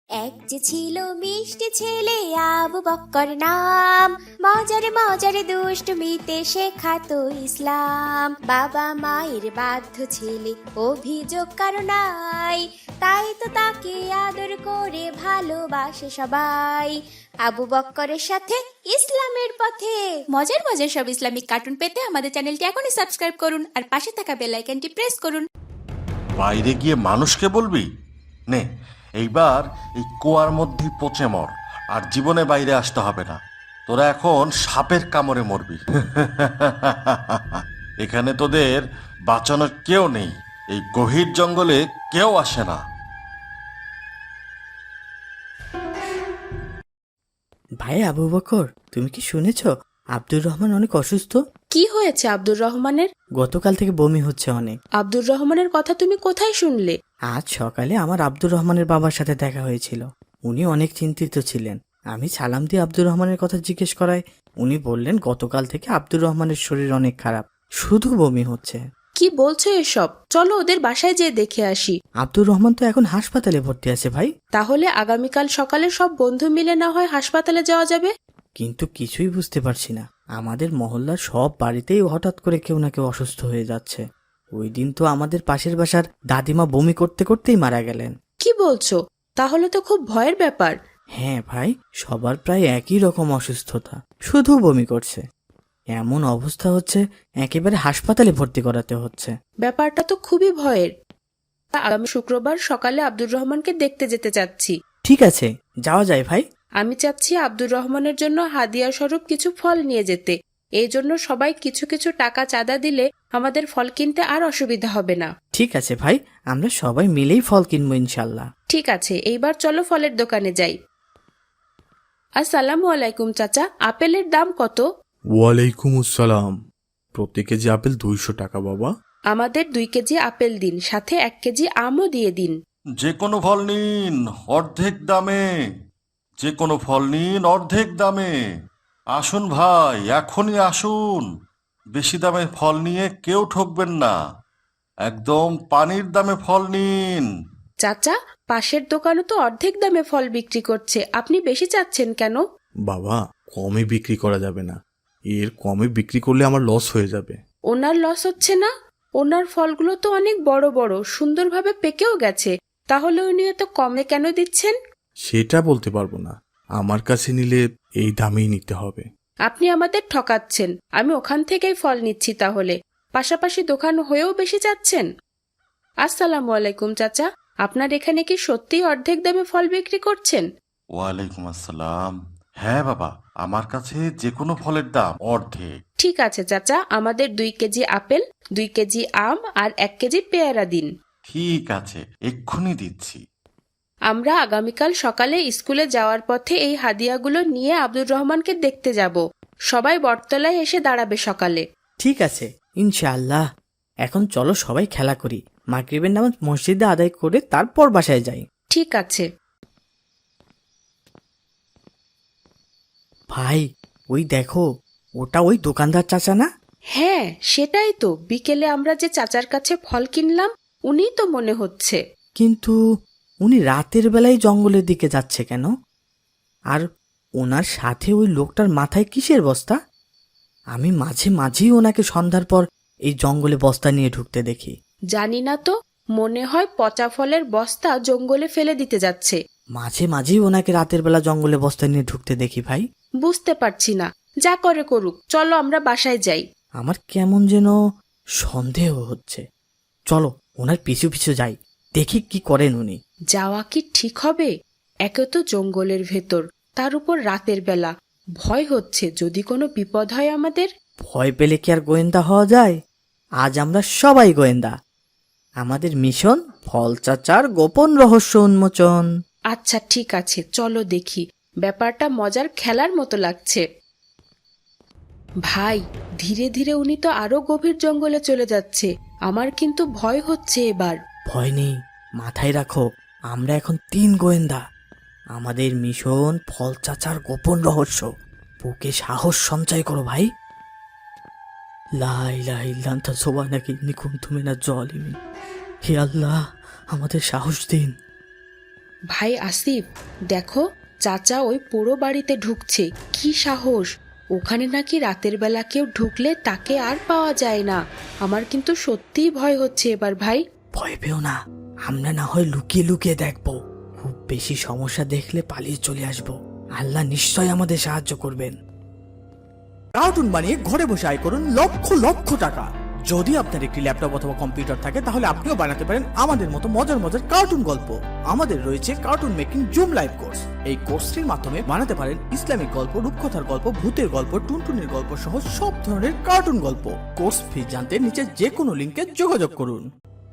এক যে ছিল মিষ্টি ছেলে আবু বক্কর নাম, মজারে মজারে দুষ্টমিতে শেখাতো ইসলাম। বাবা মায়ের বাধ্য ছেলে, অভিযোগ কারো নাই, তাই তো তাকে আদর করে ভালোবাসে সবাই। আবু বক্করের সাথে ইসলামের পথে মজার মজার সব ইসলামিক কার্টুন পেতে আমাদের চ্যানেলটি এখনই সাবস্ক্রাইব করুন আর পাশে থাকা বেল আইকনটি প্রেস করুন। বাইরে গিয়ে মানুষকে বলবি নে, এইবার এই কুয়ার মধ্যেই পচে মর, আর জীবনে বাইরে আসতে হবে না। তোরা এখন সাপের কামড়ে মরবি। এখানে তোদের বাঁচানোর কেউ নেই, এই গভীর জঙ্গলে কেউ আসে না। ভাই আবু বকর, তুমি কি শুনেছ আব্দুর রহমান অনেক অসুস্থ? কি হয়েছে আব্দুর রহমানের? গতকাল থেকে বমি হচ্ছে অনেক। আব্দুর রহমানের কথা তুমি কোথায় শুনলে? আজ সকালে আমার আব্দুর রহমানের বাবার সাথে দেখা হয়েছিল। উনি অনেক চিন্তিত ছিলেন। আমি সালাম দিয়ে আব্দুর রহমানের কথা জিজ্ঞেস করায় উনি বললেন গতকাল থেকে আব্দুর রহমানের শরীর অনেক খারাপ, শুধু বমি হচ্ছে। কি বলছো এসব? চলো ওদের বাসায় যেয়ে দেখে আসি। আব্দুর রহমান তো এখন হাসপাতালে ভর্তি আছে ভাই। তাহলে আগামীকাল সকালে সব বন্ধু মিলে না হয় হাসপাতালে যাওয়া যাবে? কিন্তু কিছুই বুঝতে পারছি না, আমাদের মহল্লার সব বাড়িতেই হঠাৎ করে কেউ না কেউ অসুস্থ হয়ে যাচ্ছে। ওই দিন তো আমাদের পাশের বাসার দাদিমা বমি করতে করতেই মারা গেলেন। কি বলছো? তাহলে তো খুব ভয়ের ব্যাপার। হ্যাঁ ভাই, সবার প্রায় একই রকম অসুস্থতা, শুধু বমি করছে। এমন অবস্থা হচ্ছে একেবারে হাসপাতালে ভর্তি করাতে হচ্ছে। ব্যাপারটা তো খুবই ভয়ের। আগামী শুক্রবার সকালে আব্দুর রহমানকে দেখতে যেতে চাচ্ছি। ঠিক আছে, যাওয়া যায় ভাই। আমি চাচ্ছি আব্দুর রহমানের জন্য হাদিয়া স্বরূপ কিছু ফল নিয়ে যেতে। এই জন্য সবাই কিছু কিছু টাকা চাঁদা দিলে আমাদের ফল কিনতে আর অসুবিধা হবে না। ঠিক আছে ভাই, আমরা সবাই মিলেই ফল কিনবো ইনশাল্লাহ। ঠিক আছে, এইবার চলো ফলের দোকানে যাই। আসসালামু আলাইকুম চাচা, আপেলের দাম কত? ওয়ালাইকুম আসসালাম। প্রতি কেজি আপেল 200 টাকা বাবা। আমাদের 2 কেজি আপেল দিন, সাথে 1 কেজি আমও দিয়ে দিন। যে কোনো ফল নিন অর্ধেক দামে, যে কোনো ফল নিন অর্ধেক দামে। আসুন ভাই, এখনই আসুন। বেশি দামে ফল নিয়ে কেউ ঠকবেন না, একদম পানির দামে ফল নিন। চাচা, পাশের দোকানে তো অর্ধেক দামে ফল বিক্রি করছে, আপনি বেশি চাচ্ছেন কেন? বাবা, কমে বিক্রি করা যাবে না, এর কমে বিক্রি করলে আমার লস হয়ে যাবে। ওনার লস হচ্ছে না? ওনার ফলগুলো তো অনেক বড় বড়, সুন্দরভাবে পেকেও গেছে, তাহলে উনি এত কমে কেন দিচ্ছেন? সেটা বলতে পারবো না, আমার কাছে নিলে এই দামেই নিতে হবে। আপনি আমাদের ঠকাচ্ছেন। আমি ওখান থেকেই ফল নিচ্ছি তাহলে। পাশাপাশি দোকান হয়েও বেশি চাচ্ছেন। আসসালামু আলাইকুম চাচা, আপনার এখানে কি সত্যিই অর্ধেক দামে ফল বিক্রি করছেন? ওয়ালাইকুম আসসালাম। হ্যাঁ বাবা, আমার কাছে যে কোনো ফলের দাম অর্ধেক। ঠিক আছে চাচা, আমাদের 2 কেজি আপেল, 2 কেজি আম আর 1 কেজি পেয়ারা দিন। ঠিক আছে, এক্ষুনি দিচ্ছি। আমরা আগামীকাল সকালে স্কুলে যাওয়ার পথে এই হাদিয়াগুলো নিয়ে আব্দুর রহমানকে দেখতে যাব। সবাই বটতলায় এসে দাঁড়াবে সকালে। ঠিক আছে ইনশাআল্লাহ। এখন চলো সবাই খেলা করি, মাগরিবের নামাজ মসজিদে আদায় করে তারপর বাসায় যাই। ঠিক আছে। ভাই, ওই দেখো, ওটা ওই দোকানদার চাচা না? হ্যাঁ, সেটাই তো। বিকেলে আমরা যে চাচার কাছে ফল কিনলাম, উনিই তো মনে হচ্ছে। কিন্তু উনি রাতের বেলায় জঙ্গলের দিকে যাচ্ছে কেন? আর ওনার সাথে ওই লোকটার মাথায় কিসের বস্তা? আমি মাঝে মাঝেই ওনাকে সন্ধ্যার পর এই জঙ্গলে বস্তা নিয়ে ঢুকতে দেখি। জানি না তো, মনে হয় পচা ফলের বস্তা জঙ্গলে ফেলে দিতে যাচ্ছে। মাঝে মাঝেই ওনাকে রাতের বেলা জঙ্গলে বস্তা নিয়ে ঢুকতে দেখি ভাই। বুঝতে পারছি না, যা করে করুক, চলো আমরা বাসায় যাই। আমার কেমন যেন সন্দেহ হচ্ছে। চলো ওনার পিছু পিছু যাই, দেখি কি করেন উনি। যাওয়া কি ঠিক হবে? একে তো জঙ্গলের ভেতর, তার উপর রাতের বেলা। ভয় হচ্ছে যদি কোনো বিপদ হয় আমাদের। ভয় পেলে কি আর গোয়েন্দা হওয়া যায়? আজ আমরা সবাই গোয়েন্দা। আমাদের মিশন ফল চাচার গোপন রহস্য উন্মোচন। আচ্ছা ঠিক আছে, চলো দেখি। ব্যাপারটা মজার খেলার মতো লাগছে। ভাই, ধীরে ধীরে উনি তো আরো গভীর জঙ্গলে চলে যাচ্ছে। আমার কিন্তু ভয় হচ্ছে এবার। ভয় নেই, মাথায় রাখো, আমরা এখন 3 গোয়েন্দা। আমাদের মিশন ফল চাচার গোপন রহস্য। বুকে সাহস সঞ্চয় করো ভাই। লা ইলাহা ইল্লা আনতা সুবহানাকা ইন্নী কুনতু মিনাজ জালিমিন। হে আল্লাহ, আমাদের সাহস দিন। ভাই আসিফ, দেখো চাচা ওই পুরো বাড়িতে ঢুকছে। কি সাহস! ওখানে নাকি রাতের বেলা কেউ ঢুকলে তাকে আর পাওয়া যায় না। আমার কিন্তু সত্যিই ভয় হচ্ছে এবার ভাই। ভয় পেও না, আমরা না হয় লুকিয়ে লুকিয়ে দেখবো। খুব বেশি সমস্যা দেখলে পালিয়ে চলে আসবো। আল্লাহ নিশ্চয় আমাদের সাহায্য করবেন। কার্টুন বানিয়ে ঘরে বসে আয় করুন লক্ষ লক্ষ টাকা। যদি আপনার একটি ল্যাপটপ অথবা কম্পিউটার থাকে তাহলে আপনিও বানাতে পারেন আমাদের মতো মজার মজার কার্টুন গল্প। আমাদের রয়েছে cartoon making zoom live course. এই কোর্সটির মাধ্যমে বানাতে পারেন ইসলামিক গল্প, রূপকথার গল্প, ভূতের গল্প, টুনটুনির গল্প সহ সব ধরনের কার্টুন গল্প। কোর্স ফি জানতে নিচে যে কোনো লিংকে যোগাযোগ করুন।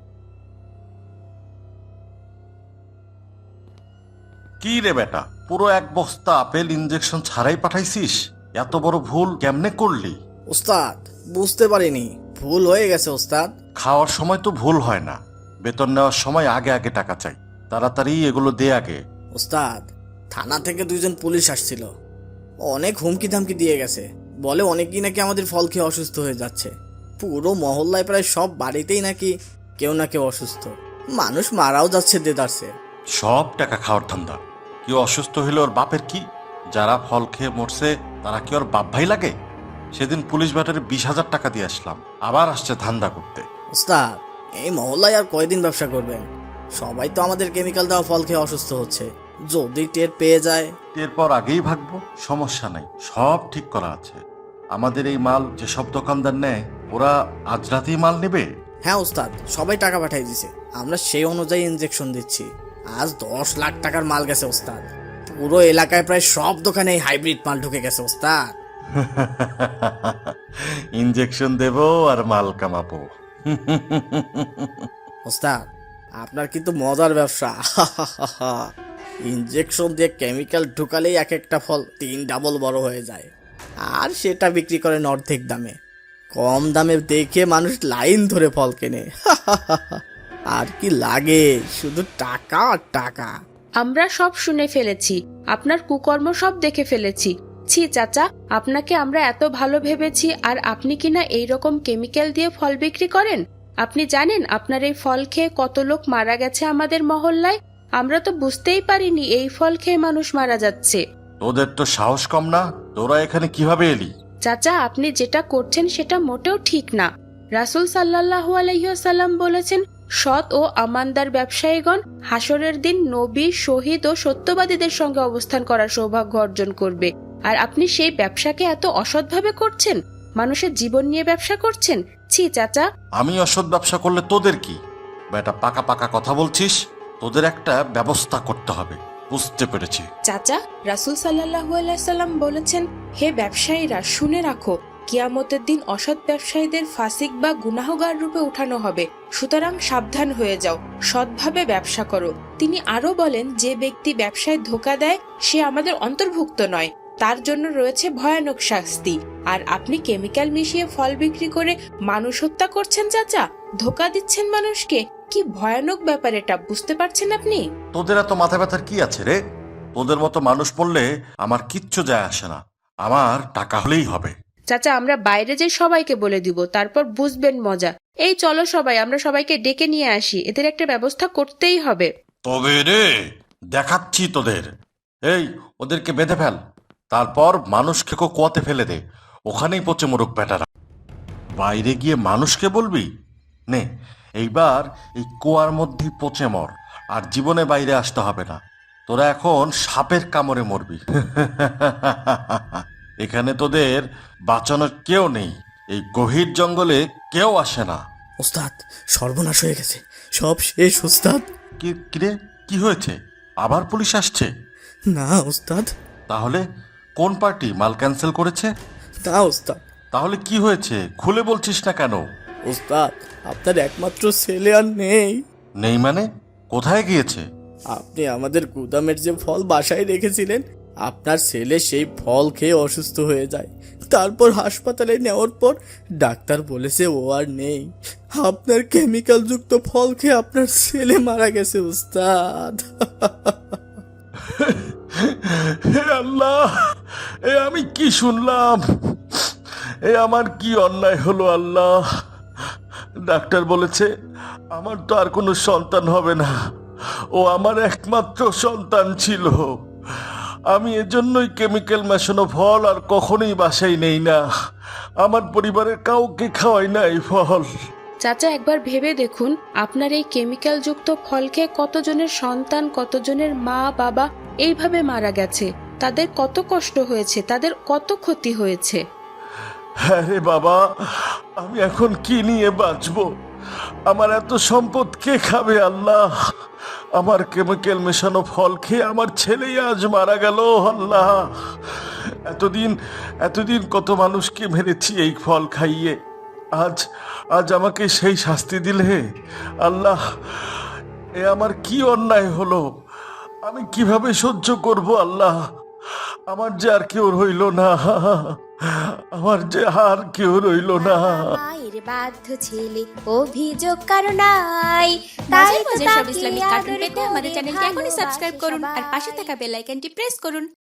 কি রে বেটা, পুরো এক বস্তা আপেল ইনজেকশন ছাড়াই পাঠাইছিস? এত বড় ভুল কেমনে করলি? ওস্তাদ, বুঝতে পারিনি, ভুল হয়ে গেছে ওস্তাদ। খাওয়ার সময় তো ভুল হয় না, বেতন নেওয়ার সময় আগে আগে টাকা চাই। তাড়াতাড়ি এগুলো দে আগে। ওস্তাদ, থানা থেকে 2জন পুলিশ আসছিল, অনেক হুমকি ধামকি দিয়ে গেছে। বলে অনেকেই নাকি আমাদের ফল খেয়ে অসুস্থ হয়ে যাচ্ছে। পুরো মহল্লায় প্রায় সব বাড়িতেই নাকি কেউ না কেউ অসুস্থ, মানুষ মারাও যাচ্ছে দেদারসে। সব টাকা খাওয়ার ধান্দা। কেউ অসুস্থ হইলে ওর বাপের কি? যারা ফল খেয়ে মরছে তারা কি ওর বাপ ভাই লাগে? সেদিন পুলিশ ব্যাটারে 20,000 টাকা দিয়ে আসলাম, আবার আসছে ধান্দা করতে। ওস্তাদ, এই মহল্লায় আর কয়দিন ব্যবসা করবেন? সবাই তো আমাদের কেমিক্যাল দেওয়া ফল খেয়ে অসুস্থ হচ্ছে। যদি টের পেয়ে যায়? এরপর আগেই ভাগবো, সমস্যা নাই, সব ঠিক করা আছে। আমাদের এই মাল যেসব দোকানদার নেয় ওরা আজ রাতেই মাল নেবে। হ্যাঁ ওস্তাদ, সবাই টাকা পাঠিয়ে দিছে, আমরা সেই অনুযায়ী ইনজেকশন দিচ্ছি। আজ 10 লাখ টাকার মাল গেছে ওস্তাদ। পুরো এলাকায় প্রায় সব দোকানে হাইব্রিড মাল ঢুকে গেছে ওস্তাদ। ইনজেকশন দেবো আর মাল কামাবো। ওস্তাদ, আপনার কিন্তু মজার ব্যবসা। ইনজেকশন দিয়ে কেমিক্যাল ঢুকালেই এক একটা ফল 3 ডাবল বড় হয়ে যায়, আর সেটা বিক্রি করেন অর্ধেক দামে। কম দামে দেখে মানুষ লাইন ধরে ফল কেনে। আর কি লাগে, শুধু টাকা আর টাকা। আমরা সব শুনে ফেলেছি, আপনার কুকর্ম সব দেখে ফেলেছি। ছি চাচা, আপনাকে আমরা এত ভালো ভেবেছি, আর আপনি কিনা এইরকম কেমিক্যাল দিয়ে ফল বিক্রি করেন। আপনি জানেন আপনার এই ফল খেয়ে কত লোক মারা গেছে আমাদের মহল্লায়? আমরা তো বুঝতেই পারিনি এই ফল খেয়ে মানুষ মারা যাচ্ছে। তোদের তো সাহস কম না, তোরা এখানে কিভাবে এলি? চাচা, আপনি যেটা করছেন সেটা মোটেও ঠিক না। রাসূল সাল্লাল্লাহু আলাইহি ওয়াসাল্লাম বলেছেন, সৎ ও আমানদার ব্যবসায়ীগণ হাসরের দিন নবী, শহীদ ও সত্যবাদীদের সঙ্গে অবস্থান করার সৌভাগ্য অর্জন করবে। আর আপনি সেই ব্যবসাকে এত অসৎভাবে করছেন, মানুষের জীবন নিয়ে ব্যবসা করছেন। ছি চাচা। আমি অসৎ ব্যবসা করলে তোদের কি? বেটা, পাকা পাকা কথা বলছিস, তোদের একটা ব্যবস্থা করতে হবে। বুঝতে পেরেছি। চাচা, রাসূল সাল্লাল্লাহু আলাইহি সাল্লাম বলেছেন, হে ব্যবসায়ীরা, শুনে রাখো, কিয়ামতের দিন অসৎ ব্যবসায়ীদের ফাসিক বা গুনাহগার রূপে উঠানো হবে। সুতরাং সাবধান হয়ে যাও, সৎভাবে ব্যবসা করো। তিনি আরো বলেন, যে ব্যক্তি ব্যবসায় ধোঁকা দেয় সে আমাদের অন্তর্ভুক্ত নয়, তার জন্য রয়েছে ভয়ানক শাস্তি। আর আপনি কেমিক্যাল মিশিয়ে ফল বিক্রি করে মানুষ হত্যা করছেন চাচা, ধোঁকা দিচ্ছেন মানুষকে। কি ভয়ানক ব্যাপার এটা, বুঝতে পারছেন আপনি? তোদের এত মাথা ব্যথার কি আছে রে? তোদের মতো মানুষ পড়লে আমার কিচ্ছু যায় আসে না, আমার টাকা হলেই হবে। চাচা, আমরা বাইরে যে সবাইকে বলে দিব, তারপর বুঝবেন মজা। এই চলো সবাই, আমরা সবাইকে ডেকে নিয়ে আসি, এদের একটা ব্যবস্থা করতেই হবে। তবে রে, দেখাচ্ছি তোদের। এই, ওদেরকে বেঁধে ফেল, তারপর মানুষকে কুয়াতে ফেলে দে, ওখানেই পচে মরুক বেটারা। বাইরে গিয়ে মানুষকে বলবি? নে, এইবার এই কুয়ার মধ্যেই পচে মর, আর জীবনে বাইরে আসতে হবে না। তোরা এখন সাপের কামড়ে মরবি। এখানে তোদের বাঁচানোর কেউ নেই, এই গভীর জঙ্গলে কেউ আসে না। ওস্তাদ, সর্বনাশ হয়ে গেছে, সব শেষ ওস্তাদ। কিরে, কি হয়েছে? আবার পুলিশ আসছে? না ওস্তাদ। তাহলে কোন পার্টি মাল ক্যান্সেল করেছে? না ওস্তাদ। তাহলে কি হয়েছে, খুলে বলছিস না কেন? ওস্তাদ, আপনার একমাত্র ছেলে আর নেই। নেই মানে? কোথায় গিয়েছে? আপনি আমাদের গুদামের যে ফল বাসায় রেখেছিলেন, আপনার ছেলে সেই ফল খেয়ে অসুস্থ হয়ে যায়। তারপর হাসপাতালে নেওয়ার পর ডাক্তার বলেছে ও আর নেই। আপনার কেমিক্যাল যুক্ত ফল খেয়ে আপনার ছেলে মারা গেছে ওস্তাদ। হে আল্লাহ, এ আমি কি শুনলাম? এ আমার কি অন্যায় হলো আল্লাহ? ডাক্তার বলেছে আমার তো আর কোনো সন্তান হবে না, ও আমার একমাত্র সন্তান ছিল। আমি এজন্যই কেমিক্যাল মেশানো ফল আর কখনোই বাসায় নেই না। আমার পরিবারের কাউকে খাওয়াই না এই ফল। চাচা, একবার ভেবে দেখুন, আপনার এই কেমিক্যাল যুক্ত ফল খেয়ে কতজনের সন্তান, কতজনের মা বাবা এইভাবে মারা গেছে। তাদের কত কষ্ট হয়েছে, তাদের কত ক্ষতি হয়েছে। হ্যাঁ রে বাবা, আমি এখন কি নিয়ে বাঁচবো? আমার এত সম্পদ কে খাবে আল্লাহ? আমার কেমিক্যাল মেশানো ফল খেয়ে আমার ছেলেই আজ মারা গেল আল্লাহ। এতদিন কত মানুষকে মেরেছি এই ফল খাইয়ে, আজ আমাকে সেই শাস্তি দিলে আল্লাহ। এ আমার কি অন্যায় হলো? আমি কিভাবে সহ্য করব আল্লাহ? আমার যে আর কেউ রইল না, আমার যে আর কেউ রইল না। বাবা মায়ের বাধ্য ছেলে, অভিযোগ কারো নাই। তাই মজার তো মজার সব তাকে ইসলামিক কার্টুন আদর পেতে আমাদের করে চ্যানেলটি এখনই ভালোবাসে সাবস্ক্রাইব করুন আর সবাই। পাশে থাকা বেল আইকনটি প্রেস করুন।